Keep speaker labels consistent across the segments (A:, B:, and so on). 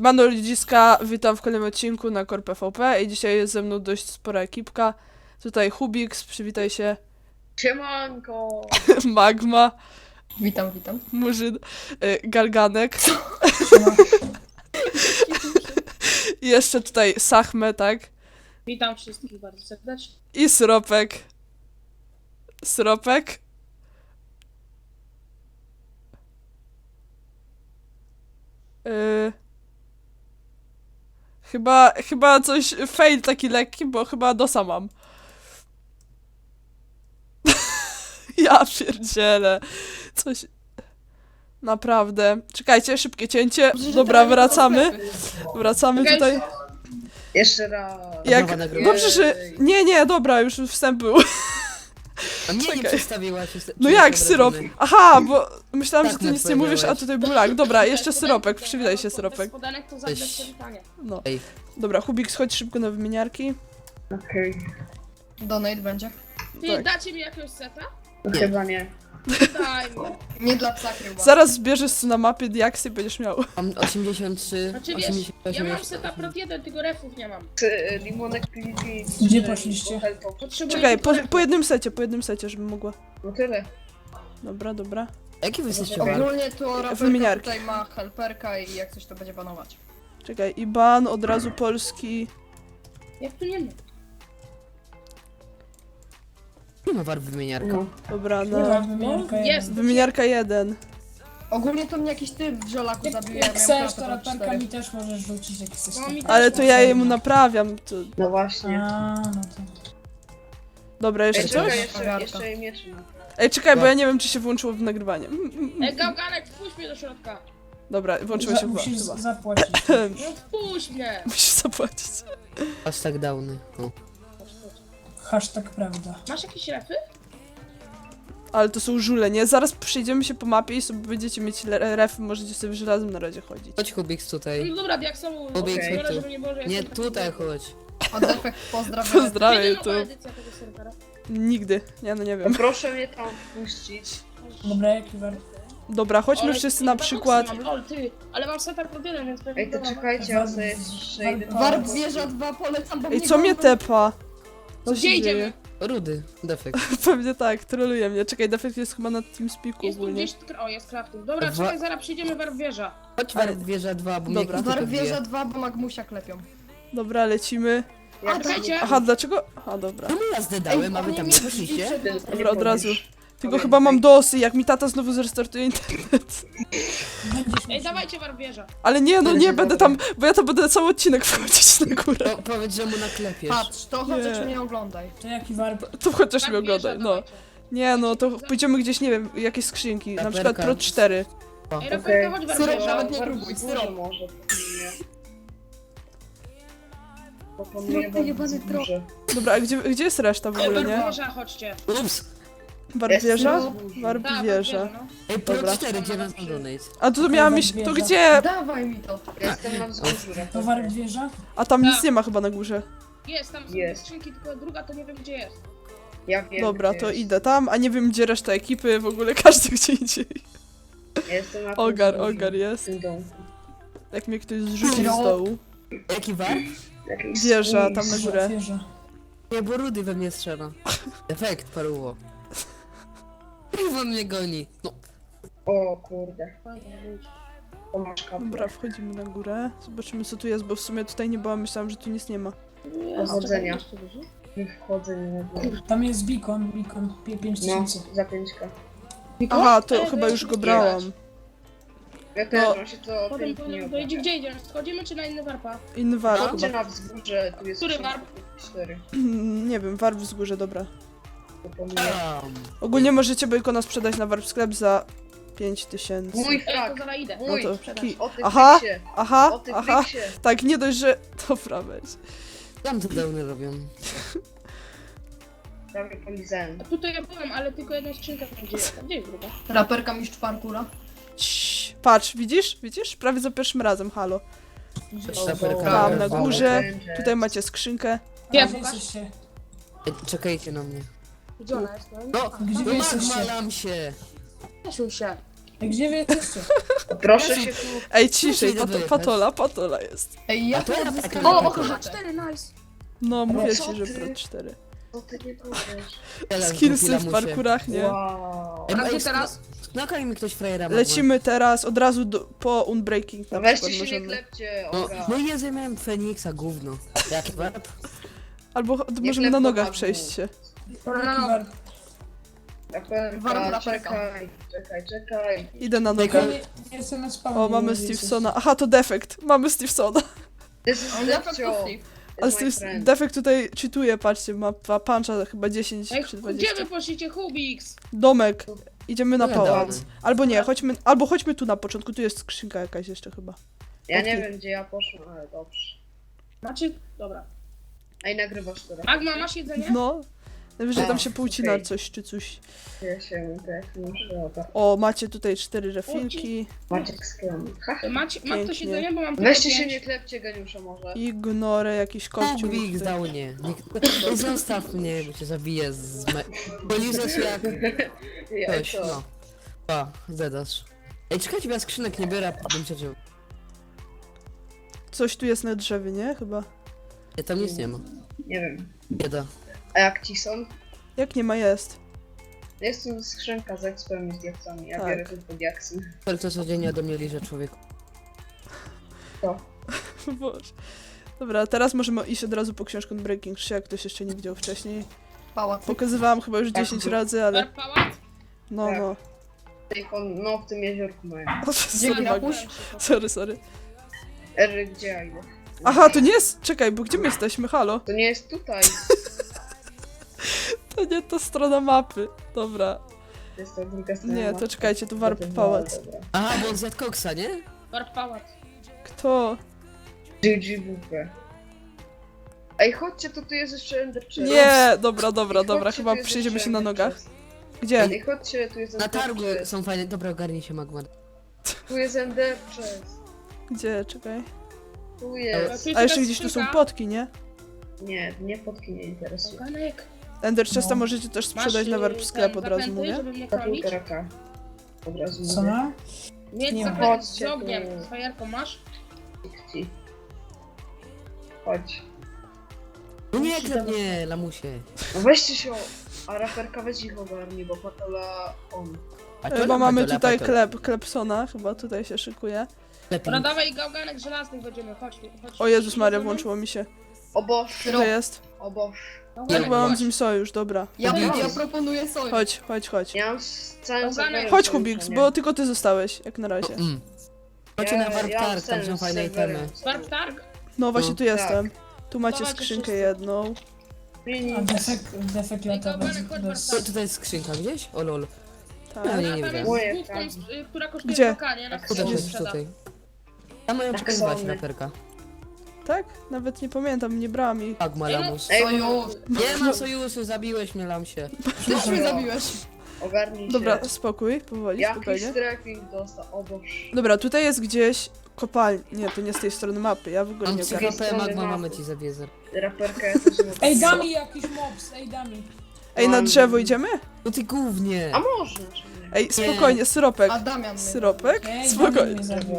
A: Siemano ludziska, witam w kolejnym odcinku na Core PvP i dzisiaj jest ze mną dość spora ekipka. Tutaj Hubix, przywitaj się.
B: Siemanko!
A: Magma,
C: Witam.
A: Murzyn, Galganek. I jeszcze tutaj Sachme, tak?
B: Witam wszystkich bardzo serdecznie.
A: I Sropek. Sropek? Chyba coś, fail taki lekki, bo chyba dosa mam. Ja pierdzielę. Coś... Naprawdę. Czekajcie, szybkie cięcie. Dobra, wracamy. Wracamy tutaj.
B: Jeszcze raz.
A: Jak... Dobrze, że... Nie, dobra, już wstęp był.
D: A mnie nie
A: Czekaj.
D: przedstawiłaś.
A: No jak syrop? Aha, bo myślałam, że
D: Tak
A: ty
D: mi
A: nic nie mówisz, a
D: powiedziałaś.
A: tutaj był lag. Dobra, jeszcze syropek, przywitaj się syropek.
B: Podanek to
D: Cześć.
B: zadać przywitanie.
A: No.
D: Ej,
A: Dobra, Hubik, chodź szybko na wymieniarki.
B: Okej.
C: Donate będzie.
B: Ty
A: Tak.
B: dacie mi jakiegoś seta?
D: Nie.
B: Chyba nie. Daj mi.
C: Nie dla psa chyba.
A: Zaraz zbierzesz tu na mapie diaksy i będziesz miał.
D: mam 83,
B: Znaczy wiesz,
D: 88.
B: ja mam seta prot 1, tylko refów nie mam.
E: Limonek PvP.
F: Gdzie poszliście?
B: Potrzebuję
A: Czekaj,
B: tylko refów.
A: po jednym secie, żebym mogła.
E: No tyle.
A: Dobra.
D: Jaki wy jesteście bar?
C: Ogólnie to raperka
A: Wymieniarki.
C: tutaj ma helperka i jak coś to będzie banować.
A: Czekaj, IBAN, od razu polski.
B: Jak tu nie ma?
D: Nie ma war wymieniarka.
E: No.
A: Dobra,
F: Kurwa,
A: no.
F: wymiarka
B: Jest.
A: Wymieniarka 1.
C: Ogólnie to mnie jakiś typ w żelaku zabił, ja
F: Jak
C: miałem
F: chcesz, to
C: klatę
F: raperka
C: 4.
F: mi też możesz rzucić, jak chcesz.
B: No, mi też
A: Ale to ja jemu naprawiam. To...
E: No właśnie.
F: A, no to...
A: Dobra, jeszcze
E: Ej,
A: coś?
E: czekaj,
C: Mariarka.
E: jeszcze jej miecz ma.
A: Ej, czekaj, bo ja nie wiem, czy się włączyło w nagrywanie.
B: Gałganek, wpuść mnie do środka.
A: Dobra, włączyło się
F: Musisz
A: chyba.
F: zapłacić.
B: No wpuść mnie.
A: Musisz zapłacić.
D: Hashtag downy. O.
F: Hashtag prawda.
B: Masz jakieś refy?
A: Ale to są żule, nie? Zaraz przejdziemy się po mapie i sobie będziecie mieć refy, możecie sobie w żelaznym narodzie chodzić.
D: Chodź Hubix tutaj.
B: No dobra, jak są...
D: Hubix,
E: Okej.
D: chodź tu.
B: żeby nie było, że
D: Nie,
B: jestem taki
D: tutaj
B: zły.
D: chodź.
C: A defekt pozdrawiam.
A: Pozdrawiam
B: Kiedy
A: tu.
B: nowa edycja tego serwera?
A: Nigdy. Nie, no nie wiem.
E: Proszę mnie tam puścić.
F: Dobra, jaki war?
A: Dobra, chodźmy
B: Ale
A: wszyscy
B: i
A: na
B: dwa
A: przykład.
B: boksy mam, lol, ty, ale mam seta prot 1, więc pewnie
E: Ej, to
B: dobra.
E: czekajcie, ja sobie przejdę.
C: Warp wieża 2 polecam, bo
A: Ej, co mnie tepa? Co
B: No
A: się
B: gdzie
A: dzieje?
B: idziemy?
D: Rudy, defekt.
A: Pewnie tak, troluje mnie. Czekaj, defekt jest chyba na TeamSpeaku
B: Jest tu
A: ogólnie.
B: gdzieś... O, jest crafting. Dobra,
D: Wa-
B: czekaj, zaraz przyjdziemy warp wieża.
D: Chodź war wieża 2, bo mnie
A: Dobra.
D: ktoś
C: Warp
D: tylko
C: wieża
D: bije.
C: 2, bo Magmusia klepią.
A: Dobra, lecimy.
E: Ja
B: Czekajcie.
A: Aha, dlaczego? Aha, dobra.
D: Czemu ja zdedałem, a wy tam nie poszliście?
A: Dobra, od razu. Tylko chyba mam dosy, jak mi tata znowu zrestartuje internet.
F: Będziesz
B: Ej, dawajcie warp wieża.
A: Ale nie, no nie, będę tam, bo ja to będę cały odcinek wchodzić na górę.
D: To powiedz, że mu naklepiesz.
C: Patrz, to chociaż
A: Nie.
C: mnie oglądaj.
F: To jaki warp?
A: To chociaż
B: Warp
A: mnie
B: wieża,
A: oglądaj, no.
B: dawajcie.
A: Nie, no to pójdziemy gdzieś, nie wiem, jakieś skrzynki. Na
D: Raperka.
A: przykład Pro 4.
B: Ej, Rafaelka, chodź warp
C: Syrop
B: wieża.
C: nawet nie próbuj, syrop.
E: może.
C: Syrop pojebany trop.
A: Dobra, a gdzie jest reszta w
B: Ej,
A: ogóle,
B: warp
A: nie?
B: wieża, chodźcie.
D: Ups.
A: Warp wieża? Warp
B: Tak, warp
A: wieża.
B: no.
D: Ej, pro
A: Dobra.
D: 4, gdzie nas donate?
A: A tu miałam iść, to gdzie?
C: Dawaj mi to.
E: Ja jestem na wzgórzu.
F: To warp wieża?
A: A tam nic
B: Tak.
A: nie ma chyba na górze.
B: Jest, tam są
E: Jest.
B: skrzynki, tylko druga to nie wiem gdzie jest.
E: Ja wiem.
A: Dobra,
E: gdzie
A: to
E: jest.
A: idę tam, a nie wiem gdzie reszta ekipy, w ogóle każdy gdzie indziej.
E: Ja jestem na
A: Ogar
E: w
A: jest.
E: tym domku.
A: Jak mnie ktoś zrzuci z dołu.
D: Jaki war?
E: Jakiś
A: Wieża,
E: spójrz.
A: tam na górę.
F: Wieża.
D: Nie, bo Rudy we mnie strzela. Defekt, paruło. Kurwa mnie goni. No,
E: O kurde. To masz kapłę.
A: Dobra, wchodzimy na górę. Zobaczymy co tu jest, bo w sumie tutaj nie byłam, myślałam, że tu nic nie ma.
E: Powodzenia.
B: Czekaj, jeszcze dużo?
E: Nie wchodzę, nie wiem.
F: Tam jest beacon, 5000.
E: No, za 5K.
A: Aha, to
B: Ej,
A: chyba
B: ja
A: już
B: muszę
A: go brałam.
E: Ja też,
A: No.
E: on się to
B: Potem,
E: pięknie
B: to idzie gdzie idziemy? Schodzimy czy na inny warpa?
A: Inny warp
E: Chodźcie
A: chyba.
E: na wzgórze, tu jest
B: Który warp?
E: 4.
A: Nie wiem, warp wzgórze, dobra.
E: Proponuję.
A: Ogólnie możecie Bacona sprzedać na warp sklep za 5000.
E: Mój
B: Ej, to
E: frak!
B: zaraz idę.
A: No
E: Mój!
A: to
B: Sprzedaż.
E: O ty
A: Aha,
E: friksie!
A: aha,
E: O ty
A: aha.
E: friksie!
A: Tak, nie dość, że... Dobra, weź.
D: Tam to downy robią.
E: Prawie polizałem.
B: A tutaj ja byłem, ale tylko jedna skrzynka tam gdzie jest. Gdzie jest druga?
C: Raperka mistrz parkura.
A: Cii, patrz, widzisz? Widzisz? Prawie za pierwszym razem, halo.
D: Raperka.
A: Tam na
D: Dobra.
A: górze. Tutaj macie skrzynkę.
B: Gdzie,
F: A gdzie
B: pokaż?
F: jesteście?
D: Ej, czekajcie na mnie.
B: Gdzie ona jest?
D: No,
F: Gdzie
D: no
F: wy jesteście?
D: magma lam się.
B: Cieszył się.
F: Ej, gdzie wy jesteście?
E: Proszę się tu...
A: Ej, ciszej,
D: idę dojechać.
A: patola jest.
C: Ej, ja
D: A to ja
C: teraz
D: taka-
C: O,
D: taka-
C: o, 4, nice.
A: No, mówię
E: co
A: ci, że
E: ty?
A: pro 4.
E: Co ty nie powiesz?
A: Skillsy w parkurach, nie?
E: Wow.
C: A gdzie teraz?
D: Knokaj mi ktoś frajera.
A: Lecimy teraz od razu po Unbreaking
E: No
A: na
E: weźcie
A: przykład
E: się, nie
A: możemy.
E: klepcie,
D: No,
E: Oga.
D: no i ja miałem Feniksa, gówno. Jaki warp?
A: Albo
E: Nie
A: możemy na
E: klep
A: nogach
E: po
A: przejść się.
C: No,
F: Warp.
E: Raperka,
C: Raperka.
E: czekaj.
A: Idę na
D: Tylko-
A: nogę.
F: Nie jestem na spawnie.
A: O, mamy
F: nie
A: Stevensona. Aha, to defekt. Mamy Stevensona.
E: This is
C: On jaka
E: Depcio.
C: kuchni.
A: Ale
E: It's my
A: Steve,
E: friend.
A: defekt tutaj cheatuje, patrzcie, ma puncha chyba 10
B: Ej,
A: czy
B: gdzie
A: 20.
B: wy poszliście, Hubix?
A: Domek. Idziemy na
D: No
A: pałac.
D: gadamy.
A: Albo nie, chodźmy tu na początku, tu jest skrzynka jakaś jeszcze chyba.
E: Ja nie
A: Okej.
E: wiem, gdzie ja poszłam, ale dobrze.
B: Macie? Dobra.
E: A i nagrywasz teraz.
B: Magma, masz jedzenie?
A: No. Najwyżej tam
E: A,
A: się poucina
E: okej.
A: coś czy coś.
E: Ja się tak muszę oga.
A: O, macie tutaj 4 refilki.
E: Maciek skrom. Ha.
B: Ma ktoś
A: Pięknie.
B: jedzenie, bo mam tylko
E: Weźcie się,
B: 5.
E: nie klepcie geniusza może.
A: Ignorę jakiś kościół.
D: Kubik zdał mnie. Nie zostaw mnie, bo cię zabiję z... Polizasz jak
E: Ja
D: ktoś,
E: co?
D: no. Pa, zadasz. Ej, czekajcie, bo ja skrzynek nie biorę, a bym cię wziął.
A: Coś tu jest na drzewie, nie? Chyba.
D: Nie, tam nic nie ma.
E: Nie wiem.
D: Bieda.
E: A jak ci są?
A: Jak nie ma, jest.
E: Jest tu skrzynka z expem i z diaksami. Ja
A: Tak.
E: biorę tylko diaksy.
D: Tylko codziennie do mnie liże człowieku.
E: To.
A: Boże. Dobra, teraz możemy iść od razu po książkę Breaking 3, jak ktoś jeszcze nie widział wcześniej.
C: Pałac.
A: Pokazywałam chyba już
E: Tak.
A: 10 razy, ale
B: Warp pałac?
A: no,
E: Tak.
A: no.
E: No, w tym jeziorku mają.
C: Dzięki na puś.
A: Sorry.
E: Ery, gdzie ja idę?
A: Aha, to nie jest... Czekaj, bo gdzie my jesteśmy? Halo?
E: To nie jest tutaj.
A: To nie ta strona mapy. Dobra.
E: To jest ta druga strona.
A: Nie, to czekajcie, tu Warp
E: Dobra,
A: Pałac.
E: dobra.
D: Aha, bo on zjadł koksa, nie?
B: Warp pałac.
A: Kto?
E: GG. Ej, chodźcie, to tu jest jeszcze Ender Chest.
A: Nie! Dobra,
E: Chodźcie,
A: chyba
E: tu jest
A: przejdziemy
E: jeszcze
A: się na
E: Ender
A: nogach.
E: Chest.
A: Gdzie?
E: Ej, chodźcie, tu jest
D: Na
E: Ender
D: targu
E: Chest.
D: są fajne. Dobra, ogarnij się, Magma.
E: Tu jest Ender Chest.
A: Gdzie? Czekaj.
E: Tu jest.
B: Tu jest
A: A jeszcze
B: jakaś
A: gdzieś tu są
B: skrzynka.
A: potki, nie?
E: Nie, fotki nie interesują.
B: Oganek.
A: Ender Chesta
F: No.
A: możecie też
B: Masz,
A: sprzedać na Warp
B: ten
A: sklep od razu
B: zakręty,
A: mówię.
B: żeby mnie
E: Ta
B: chronić?
E: półtoraka. Od razu
F: Co
E: mówię.
F: ma?
B: Mieć
F: Nie
B: zakręt
E: chodźcie
B: z ogniem.
E: tu.
B: Z fajerką masz?
E: Ci. Chodź.
D: No nie, klep nie, lamusie.
E: No weźcie się, a raperka weź ich ogarni, bo patola on.
D: A
A: Chyba
D: lepę,
A: mamy
D: to
A: tutaj
D: lepę, to
A: Klepsona, chyba tutaj się szykuje.
D: lepiej.
B: Dobra, dawaj gałganek żelaznych będziemy, chodź tu, chodź.
A: O Jezus Maria, włączyło mi się.
E: O Boż,
A: Co jest?
E: o Boż.
A: Ja
B: Gałganek,
A: chyba mam
B: chodź.
A: z nim sojusz, dobra.
C: Ja
D: Hubix.
C: proponuję sojusz.
A: Chodź.
E: Ja mam z całym
B: Oganek.
E: serwerem
A: Chodź
E: sojusze,
A: Hubix,
E: nie?
A: bo tylko ty zostałeś, jak na razie.
D: Chodźcie na Warp
E: Ja mam
D: Targ, tam są
E: sen z
D: fajne
E: serwerem.
D: itemy.
B: Warp targ?
A: No właśnie
D: No.
A: tu jestem.
E: Tak.
A: Tu macie
B: Dawajcie
A: skrzynkę
B: wszyscy.
A: jedną.
F: A defekt lata bez...
B: Gałganek, chodź
F: bez...
B: Warp
D: Tutaj jest skrzynka gdzieś? O lol.
A: Tak.
D: No, nie,
B: A
D: nie
B: tam
D: widziałem.
B: jest
E: Moje
B: z główką, która kosztuje
A: Gdzie?
B: blokanie, na
D: Tutaj
B: którą
D: jest,
B: sprzeda.
D: tutaj. Tam mają
E: Tak
D: przekazywać
E: są.
D: raperka.
A: Tak? Nawet nie pamiętam, nie brałam ich.
D: Magma,
B: Ej, no,
D: lamus.
E: Ej,
C: Sojusz.
D: Nie ma sojuszu, zabiłeś mnie, lamsie.
C: Też mnie zabiłeś.
E: Ogarnij się.
A: Dobra, spokój, powoli,
E: Jaki
A: spokojnie.
E: strafing dostał, o Boż.
A: Dobra, tutaj jest gdzieś kopalnia. Nie, to nie z tej strony mapy, ja w ogóle
D: Mam
A: nie
D: 3
A: ogarniam.
D: HP,
E: strony
D: Magma,
E: mapy.
D: mamy ci zawiedzę.
E: Raperka ja też nie
F: Ej, da mi jakiś mobs, ej, da mi.
A: Ej, na drzewo idziemy?
D: No ty głównie.
E: A można, czy nie?
A: Ej, spokojnie, syropek.
C: A Damian mnie
A: Syropek?
F: Ej, Damian
A: Spokojnie.
F: mnie zabił.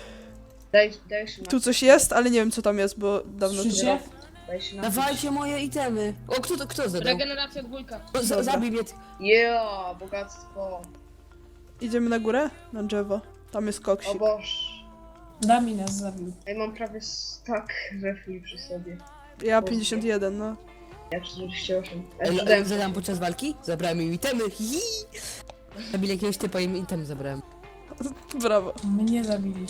E: Daj się na...
A: Tu coś jest, ale nie wiem co tam jest, bo dawno tu
F: Słyszycie?
E: Daj się na...
D: Dawajcie moje itemy. O, kto zadał?
B: Regeneracja dwójka.
D: O,
A: Dobra.
D: zabij mnie.
E: Yeah, bogactwo.
A: Idziemy na górę? Na drzewo. Tam jest
E: O
A: koksik.
E: Boż.
F: Dami nas zabił.
E: Ej, mam prawie tak refli przy sobie.
A: Ja 51, no.
E: Ja 48.
D: Zadam podczas walki? Zabrałem im itemy. Hihi. Zabili jakiegoś typa i im item zabrałem.
A: Brawo.
F: Mnie zabili.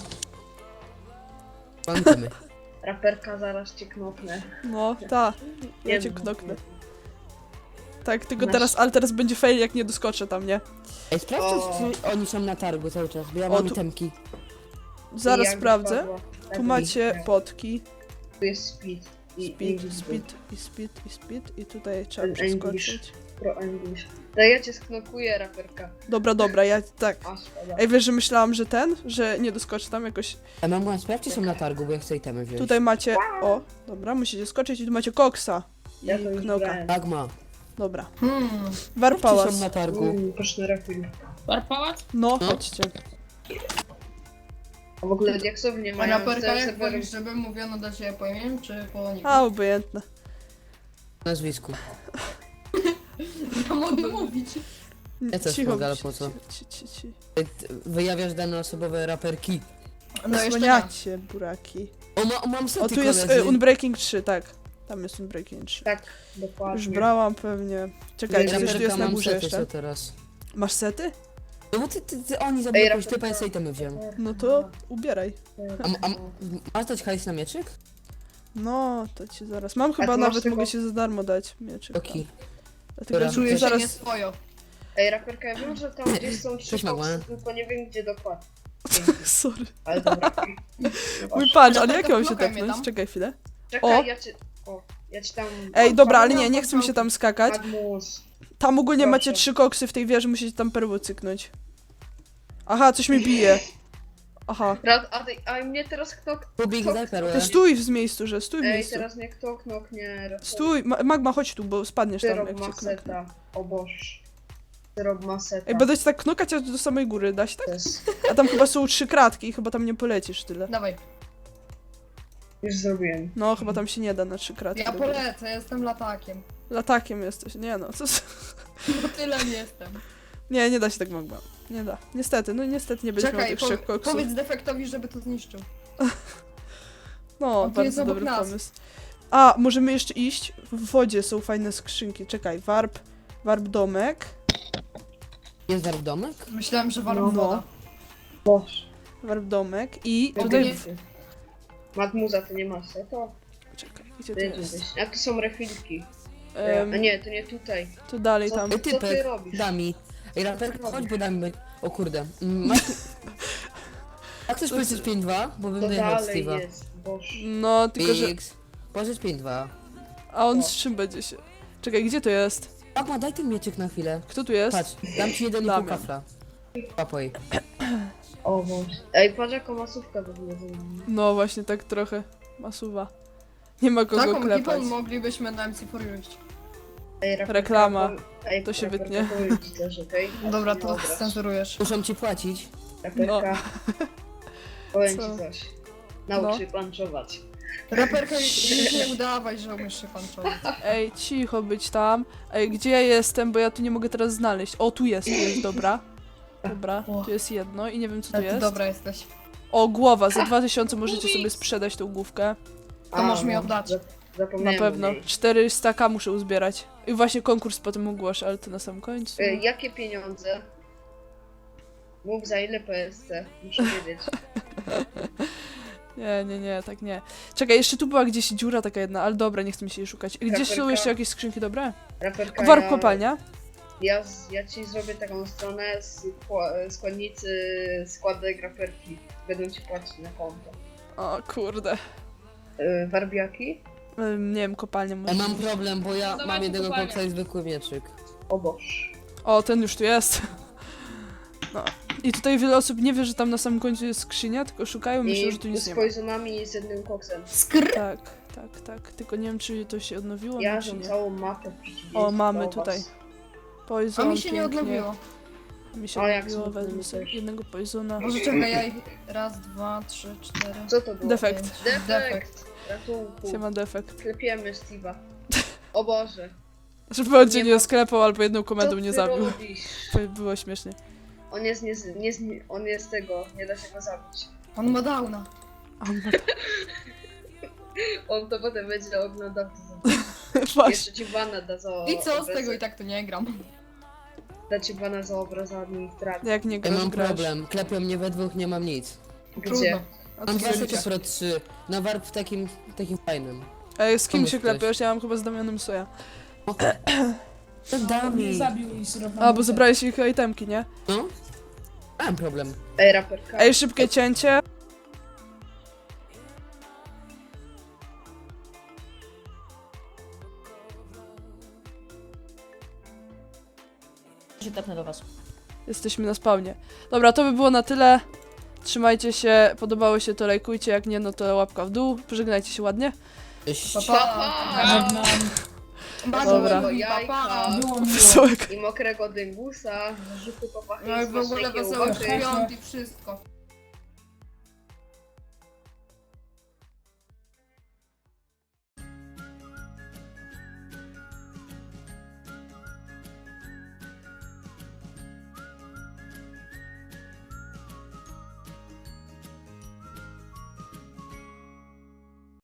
D: Mam itemy.
E: Raperka zaraz cię knopnę.
A: No, ta. Ja
E: Nie
A: cię
E: no.
A: knoknę. Tak, tylko
E: Masz-
A: teraz, ale teraz będzie fail jak nie doskoczę tam, nie?
D: Ej, sprawdźcie,
E: O.
D: czy oni są na targu cały czas, bo ja
A: O,
D: mam
A: tu-
D: itemki.
A: Zaraz
E: I jak
A: sprawdzę.
E: wypadła, tak
A: Tu macie
E: i-
A: potki.
E: Tu jest speed.
A: Speed i tutaj trzeba
E: Ten English.
A: przeskoczyć.
E: Pro English. No ja cię sknokuję, raperka.
A: Dobra, ja tak.
E: A, szkoda.
A: Ej, wiesz, że myślałam, że nie doskoczę tam jakoś.
D: A mam sprawdźcie, są na targu, bo ja chcę itemy wziąć.
A: Tutaj macie. O, dobra, musicie skoczyć i tu macie koksa. I
E: Ja to już
A: knoka.
E: brałem.
D: Magma.
A: Dobra.
C: Hmm.
A: Warp
D: Czy
A: Pałac.
D: są na targu?
E: Proszę refil.
B: Warp pałac?
A: No,
D: No.
A: chodźcie.
E: A w ogóle diaksów nie
C: A
E: mają.
C: raperka jak
E: serwerów.
C: wolisz, żeby mówiono do ciebie po imieniu, czy po niku?
A: A, obojętne.
D: Nazwisku.
C: Ja mogę mówić.
D: Ja też
A: Cicho,
D: mogę, ale po co?
A: ci.
D: Wyjawiasz dane osobowe raperki.
C: No jeszcze nie.
A: Zasłaniacie, buraki.
D: Mam sety,
A: O, tu jest
D: koledzy.
A: Unbreaking 3, tak. Tam jest Unbreaking 3.
E: Tak, dokładnie.
A: Już brałam pewnie. Czekaj,
E: Raperka
A: gdzieś tu jest na
D: mam
A: górze
D: sety
A: jeszcze.
D: co teraz.
A: Masz sety?
D: No bo oni zabili jakąś
E: raperka.
D: typa, ja sobie temy wziąłem.
A: No to ubieraj.
D: Masz dać hajs na mieczyk?
A: No, to ci zaraz. Mam chyba
E: ty masz
A: nawet,
E: tylko-
A: mogę ci za darmo dać mieczyk.
D: Oki.
A: Dlatego
D: Dobra.
C: Czuję się
A: zaraz...
C: nieswojo.
E: Ej, raperka, ja wiem, że tam gdzieś są trzy
D: Cześć, Magła.
E: koksy, tylko nie wiem gdzie dokładnie.
A: Sorry.
E: Ale dobra.
A: Mój patrz, ale
C: Raperka,
A: jak ja mam się
C: blokaj mnie
A: tepnąć?
C: tam.
A: Czekaj chwilę.
E: Czekaj,
A: O!
E: ja ci tam...
A: Ej, dobra, ale
C: no,
A: nie chcę mi się tam skakać.
E: Magmus.
A: Tam ogólnie
E: Proszę.
A: macie 3 koksy w tej wieży, musicie tam perły cyknąć. Aha, coś mi bije. Aha.
E: A mnie teraz kto...
D: Kubik, daj perłę.
A: To stój w miejscu, że stój w
E: Ej,
A: miejscu.
E: teraz mnie kto knoknie.
A: Stój, Magma, chodź tu, bo spadniesz tam,
E: Syrob
A: jak cię knoknę.
E: maseta. O Boż. Syrob maseta.
A: Ej, będę cię tak knokać aż do samej góry, da się tak?
E: To jest...
A: A tam chyba są 3 kratki i chyba tam nie polecisz tyle.
C: Dawaj.
E: Już zrobiłem.
A: No, chyba tam się nie da na 3 kratki.
C: Ja
A: do góry.
C: polecę, jestem latakiem.
A: Latakiem jesteś, nie no, co...
C: Bo tyle nie jestem.
A: Nie da się tak Magma. Nie da. Niestety, no niestety nie będziesz miał
C: Czekaj,
A: tych 3 koksów.
C: powiedz defektowi, żeby to zniszczył.
A: No,
C: on tu jest
A: bardzo
C: obok
A: dobry
C: nas.
A: pomysł. A, możemy jeszcze iść? W wodzie są fajne skrzynki. Czekaj, warp domek.
D: Jest warp domek?
C: Myślałem, że walą
A: No.
C: woda.
E: Boż.
A: Warp domek i
E: Tutaj...
A: tutaj...
E: Matmuza, to nie masz to?
A: Czekaj, gdzie to
E: Ty
A: jest?
E: jesteś. A tu są refilki.
A: Em,
E: A nie, to nie tutaj.
A: to dalej
E: Co?
A: tam.
D: Ej,
E: Co ty
D: typek,
E: robisz?
D: Dami. Ej, raperka, chodź, bo Dami... O kurde. Masz... A chcesz powiedzieć 5-2? Bo bym
E: To
D: wyjechał
E: dalej
D: Steve'a.
E: jest, Boż.
A: No, tylko że...
D: X. Pożycz 5-2.
A: A on z czym będzie się... Czekaj, gdzie to jest?
D: Magma, daj ten mieczyk na chwilę.
A: Kto tu jest?
D: Patrz, dam ci 1,5
A: Damian.
D: kafla. Papoj.
E: O Boż. Ej, patrz jaką masówkę w ogóle zrobili.
A: No właśnie, tak trochę masuwa. Nie ma kogo
C: Taką
A: klepać.
C: ekipą moglibyśmy na MC4 iść.
E: Ej, raperka,
A: Reklama.
E: Ej,
A: To się
E: raperka,
A: wytnie.
E: powiem ci też, okej?
C: Dobra, to
E: Dobra.
C: cenzurujesz.
D: Muszą ci płacić.
E: Raperka. Powiem
A: Co?
E: ci coś. Naucz się panczować.
C: Raperka, już nie udawaj, że umiesz się panczować.
A: Ej, cicho być tam. Ej, gdzie ja jestem, bo ja tu nie mogę teraz znaleźć. O, tu jest, dobra. Dobra,
C: O.
A: tu jest jedno i nie wiem co tu
C: Ale ty
A: jest.
C: dobra jesteś.
A: O, głowa, za 2000 możecie sobie sprzedać tą główkę.
C: To możesz mi
E: no,
C: oddać.
E: Zapomniałem
A: Na pewno.
E: o niej.
A: 400k muszę uzbierać. I właśnie konkurs potem ogłoszę, ale to na sam końcu.
E: Jakie pieniądze? Mów za ile PSC? Muszę wiedzieć.
A: Nie, tak nie. Czekaj, jeszcze tu była gdzieś dziura taka jedna, ale dobra, nie chcę mi się jej szukać. Gdzieś są
E: Raperka.
A: jeszcze jakieś skrzynki dobre?
E: Raperka,
A: Warp kopalnia?
E: Ja ci zrobię taką stronę składnicy składek raperki. Będą ci płacić na konto.
A: O kurde.
E: Warbiaki?
A: Nie wiem, kopalnia może
D: Mam
A: być.
D: problem, bo ja
B: Dawajcie
D: mam jednego
B: kopalnię.
D: koksa i zwykły mieczyk.
E: O Boż.
A: O, ten już tu jest. No. I tutaj wiele osób nie wie, że tam na samym końcu jest skrzynia, tylko szukają, myślą, że tu
E: I
A: nic
E: z
A: nie ma.
E: poisonami i z jednym koksem.
C: Skr!
A: Tak. Tylko nie wiem, czy to się odnowiło,
E: Ja
A: czy
E: mam
A: nie.
E: całą mapę w przeciwieństwie
A: O, mamy
E: do was.
A: tutaj.
C: A
A: Poison,
C: mi się nie
A: pięknie.
C: odnowiło.
A: Mi się
E: O, jak
A: odnowiło,
E: smutno
A: wezmę
E: mi
A: sobie
E: też.
A: jednego poisona.
C: Może czekaj, ja ich... Raz, dwa, trzy, cztery.
E: Co to było?
A: Defekt.
E: Defekt. Ratunku.
A: Się ma defekt.
E: Klepiemy Steve'a. O Boże.
A: Żeby on cię
E: Nie
A: nie
E: ma-
A: sklepał albo jedną
E: Co
A: komendą
E: ty
A: nie zabił.
E: robisz?
A: Było śmiesznie.
E: On jest tego, nie da się go zabić.
C: On ma downa.
A: A on ma...
E: On to potem będzie oglądał.
A: Właśnie.
E: Jeszcze ci bana da za
C: I co z
E: obraz-
C: tego i tak to nie gram.
E: Da ci bana za obraz administracji.
A: Jak nie
D: Ja
A: grasz,
D: mam
A: grasz.
D: problem. Klepią mnie we dwóch, nie mam nic.
E: Gdzie?
C: Trudno.
A: A
D: Mam
A: co
D: dwa
A: zrobicie?
D: sety Pro 3. Na warp w takim fajnym.
A: Ej, z kim
D: Pomysł
A: się
D: ktoś.
A: klepiesz? Ja mam chyba z Damianem Soja.
D: To da
F: Nie
D: mi.
F: zabił i syrop
A: A, bo zabrałeś ich itemki, nie?
D: No? Mam problem.
E: Ej, raperka.
A: Ej, szybkie cięcie.
G: się tepnę do was.
A: Jesteśmy na spawnie. Dobra, to by było na tyle. Trzymajcie się, podobało się to lajkujcie, jak nie, no to łapka w dół. Pożegnajcie się ładnie.
D: Cześć.
C: Pa, pa.
F: Żegnam.
C: Bardzo
A: Dobra.
C: miło i pa, pa.
F: Było miło.
A: Wesołego.
E: I mokrego dyngusa, rzutu po pachie,
C: No i w ogóle
E: smacznej
C: wesołych
E: kiełbasy.
C: świąt i wszystko.